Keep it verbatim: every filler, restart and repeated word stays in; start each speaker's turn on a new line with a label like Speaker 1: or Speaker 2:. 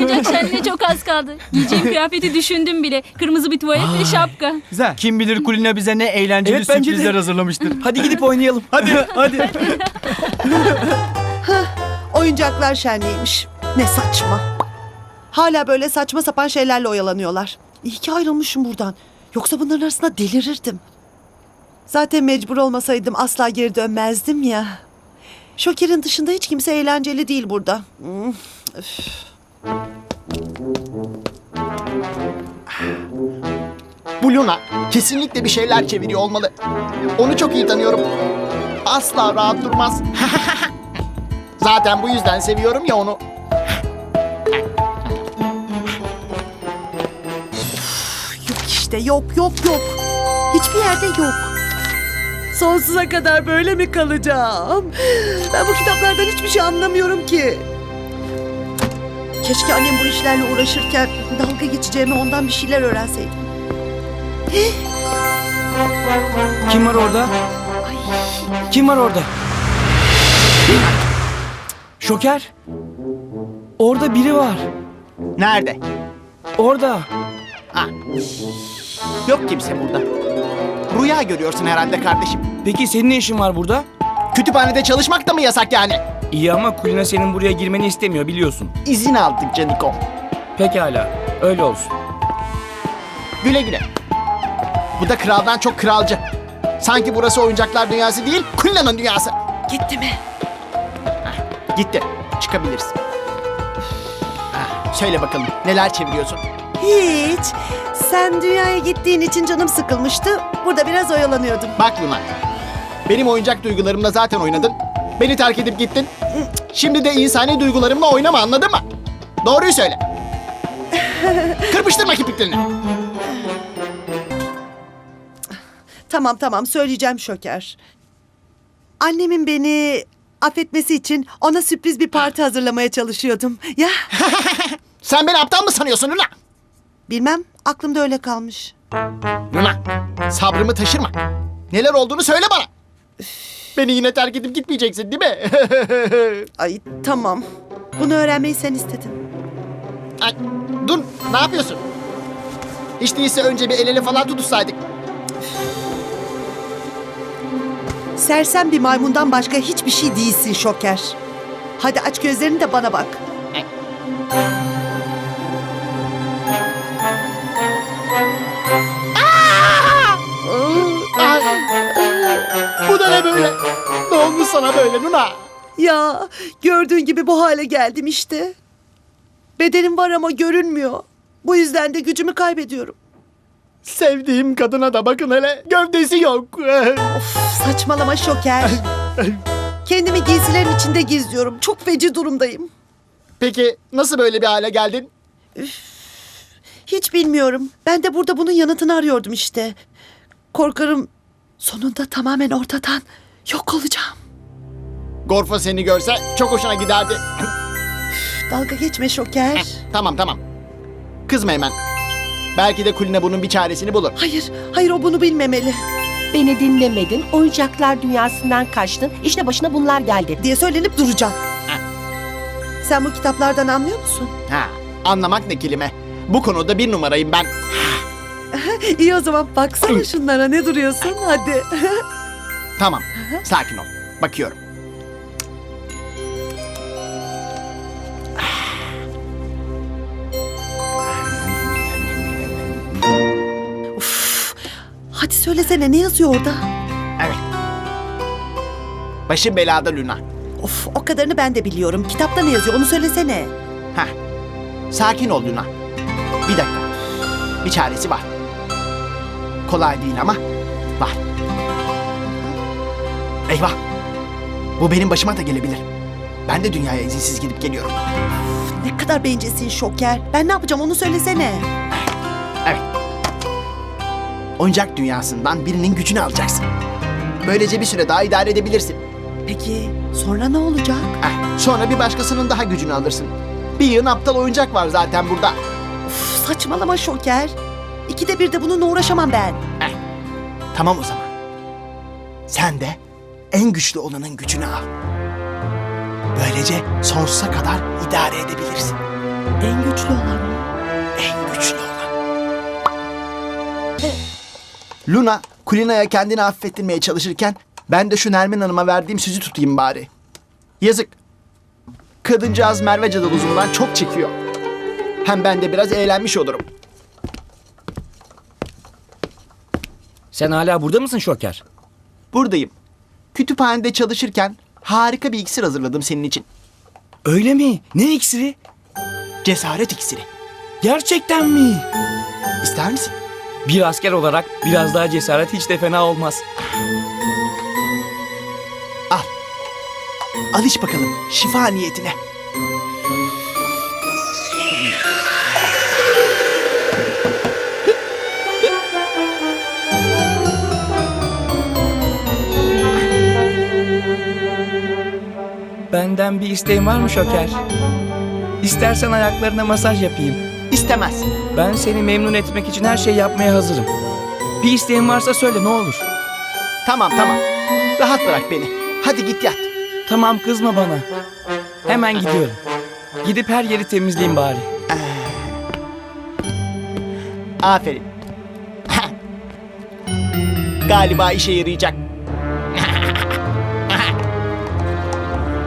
Speaker 1: olacak şenliğe çok az kaldı. Giyeceğim kıyafeti düşündüm bile. Kırmızı bir tuvalet ve şapka.
Speaker 2: Güzel.
Speaker 3: Kim bilir Kulina bize ne eğlenceli
Speaker 2: Evet, bence de.
Speaker 3: sürprizler hazırlamıştır.
Speaker 2: Hadi gidip oynayalım.
Speaker 3: Hadi hadi.
Speaker 4: Oyuncaklar şenliğiymiş. Ne saçma. Hala böyle saçma sapan şeylerle oyalanıyorlar. İyi ki ayrılmışım buradan. Yoksa bunların arasında delirirdim. Zaten mecbur olmasaydım asla geri dönmezdim ya. Şoker'in dışında hiç kimse eğlenceli değil burada. Hmm, üf.
Speaker 5: Bu Luna kesinlikle bir şeyler çeviriyor olmalı. Onu çok iyi tanıyorum. Asla rahat durmaz. Zaten bu yüzden seviyorum ya onu.
Speaker 4: Yok işte yok yok yok. Hiçbir yerde yok. Sonsuza kadar böyle mi kalacağım? Ben bu kitaplardan hiçbir şey anlamıyorum ki. Keşke annem bu işlerle uğraşırken dalga geçeceğimi ondan bir şeyler öğrenseydim.
Speaker 2: Kim var orada? Kim var orada? Şoker. Orada biri var.
Speaker 5: Nerede?
Speaker 2: Orada.
Speaker 5: Ha. Yok kimse burada. Rüya görüyorsun herhalde kardeşim.
Speaker 2: Peki senin ne işin var burada?
Speaker 5: Kütüphanede çalışmak da mı yasak yani?
Speaker 2: İyi ama Kulina senin buraya girmeni istemiyor biliyorsun.
Speaker 5: İzin aldık Caniko.
Speaker 2: Pekala. Öyle olsun.
Speaker 5: Güle güle. Bu da kraldan çok kralcı. Sanki burası oyuncaklar dünyası değil, Kulina'nın dünyası.
Speaker 4: Gitti mi?
Speaker 5: Gitti. Çıkabilirsin. Ah, söyle bakalım neler çeviriyorsun?
Speaker 4: Hiç. Sen dünyaya gittiğin için canım sıkılmıştı. Burada biraz oyalanıyordum.
Speaker 5: Bak Luna. Benim oyuncak duygularımla zaten oynadın. Beni terk edip gittin. Şimdi de insani duygularımla oynama, anladın mı? Doğruyu söyle. Kırpıştırma kirpiklerini.
Speaker 4: Tamam tamam söyleyeceğim Şoker. Annemin beni affetmesi için ona sürpriz bir parti hazırlamaya çalışıyordum. Ya
Speaker 5: Sen beni aptal mı sanıyorsun Luna?
Speaker 4: bilmem aklımda öyle kalmış.
Speaker 5: Luna, sabrımı taşırma. Neler olduğunu söyle bana. Beni yine terk edip gitmeyeceksin değil mi?
Speaker 4: Ay tamam. Bunu öğrenmeyi sen istedin.
Speaker 5: Ay, dur, ne yapıyorsun? Hiç değilse önce bir el ele falan tutuşsaydık.
Speaker 4: Sersem bir maymundan başka hiçbir şey değilsin Şoker. Hadi aç gözlerini de bana bak.
Speaker 5: Ay, bu da ne böyle? Ne olmuş sana böyle Luna?
Speaker 4: Ya gördüğün gibi bu hale geldim işte. Bedenim var ama görünmüyor. Bu yüzden de gücümü kaybediyorum.
Speaker 5: Sevdiğim kadına da bakın hele, gövdesi yok.
Speaker 4: Of saçmalama Şoker. Kendimi giysilerin içinde gizliyorum. Çok feci durumdayım.
Speaker 5: Peki nasıl böyle bir hale geldin?
Speaker 4: Hiç bilmiyorum. Ben de burada bunun yanıtını arıyordum işte. Korkarım sonunda tamamen ortadan yok olacağım.
Speaker 5: Gorfo seni görse çok hoşuna giderdi.
Speaker 4: Dalga geçme Şoker.
Speaker 5: Tamam tamam. Kızma hemen. Belki de Kulina bunun bir çaresini bulur.
Speaker 4: Hayır, hayır o bunu bilmemeli
Speaker 6: Beni dinlemedin, oyuncaklar dünyasından kaçtın, işte başına bunlar geldi.
Speaker 4: diye söylenip duracağım. Sen bu kitaplardan anlıyor musun?
Speaker 5: Ha, anlamak ne kelime. Bu konuda bir numarayım ben.
Speaker 4: İyi o zaman baksana şunlara ne duruyorsun hadi.
Speaker 5: Tamam, sakin ol. Bakıyorum.
Speaker 4: Hadi söylesene ne yazıyor orada?
Speaker 5: Evet. Başım belada Luna.
Speaker 4: Of o kadarını ben de biliyorum. Kitapta ne yazıyor onu söylesene.
Speaker 5: Heh. Sakin ol Luna. Bir dakika. Bir çaresi var. Kolay değil ama var. Eyvah. Bu benim başıma da gelebilir. Ben de dünyaya izinsiz gidip geliyorum.
Speaker 4: Ne kadar bencilsin Şoker. Ben ne yapacağım onu söylesene.
Speaker 5: Evet. Oyuncak dünyasından birinin gücünü alacaksın. Böylece bir süre daha idare edebilirsin.
Speaker 4: Peki sonra ne olacak?
Speaker 5: Heh. Sonra bir başkasının daha gücünü alırsın. Bir yığın aptal oyuncak var zaten burada.
Speaker 4: Uf, saçmalama Şoker. İkide bir de bununla uğraşamam ben.
Speaker 5: Heh. Tamam o zaman. Sen de en güçlü olanın gücünü al. Böylece sonsuza kadar idare edebilirsin.
Speaker 4: En güçlü olan. En güçlü olan.
Speaker 5: Luna, Kulina'ya kendini affettirmeye çalışırken ben de şu Nermin Hanım'a verdiğim sözü tutayım bari. Yazık. Kadıncağız Merve cadalozundan çok çekiyor. Hem ben de biraz eğlenmiş olurum.
Speaker 2: Sen hala burada mısın Şoker?
Speaker 5: Buradayım. Kütüphanede çalışırken harika bir iksir hazırladım senin için.
Speaker 2: Öyle mi? Ne iksiri?
Speaker 5: Cesaret iksiri.
Speaker 2: Gerçekten mi?
Speaker 5: İster misin?
Speaker 2: Bir asker olarak biraz daha cesaret hiç de fena olmaz.
Speaker 5: Al. Al iç bakalım şifa niyetine.
Speaker 2: Benden bir isteğin var mı Şoker? İstersen ayaklarına masaj yapayım.
Speaker 5: İstemez.
Speaker 2: Ben seni memnun etmek için her şeyi yapmaya hazırım. Bir isteğin varsa söyle ne olur.
Speaker 5: Tamam tamam. Rahat bırak beni. Hadi git yat.
Speaker 2: Tamam kızma bana. Hemen gidiyorum. Gidip her yeri temizleyeyim bari.
Speaker 5: Aferin. Galiba işe yarayacak.